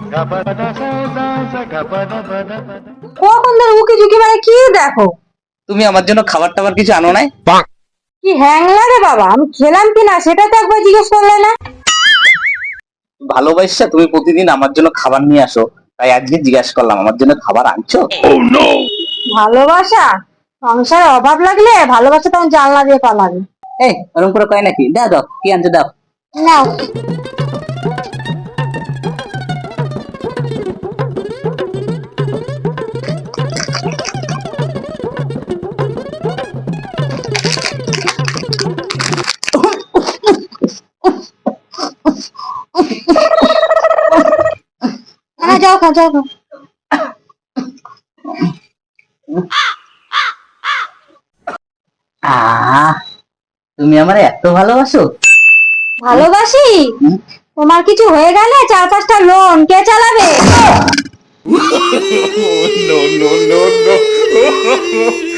কখন ধরে উকি ঝুঁকি মানে কি দেখো? তুমি আমার জন্য খাবার টাবার কিছু আনো নাই? কি হ্যাং লাগে বাবা, আমি খেলাম কিনা সেটা তো একবার জিজ্ঞেস করলে না। ভালোবাসা তুমি প্রতিদিন আমার জন্য খাবার নিয়ে আসো, তাই আজকে জিজ্ঞাসা করলাম আমার জন্য খাবার আনছো? ভালোবাসা? সংসারে অভাব লাগলে ভালোবাসা তখন জানলা দিয়ে পালাবে। এই ওরকম করে কয় নাকি? দাও দাও, কি আনছো দাও। নাও। যাও খাও, যাও খাও। তুমি আমার এত ভালোবাসো? ভালোবাসি? তোমার কিছু হয়ে গেলে 4-5টা লোন কে চালাবে? No, no, no, no.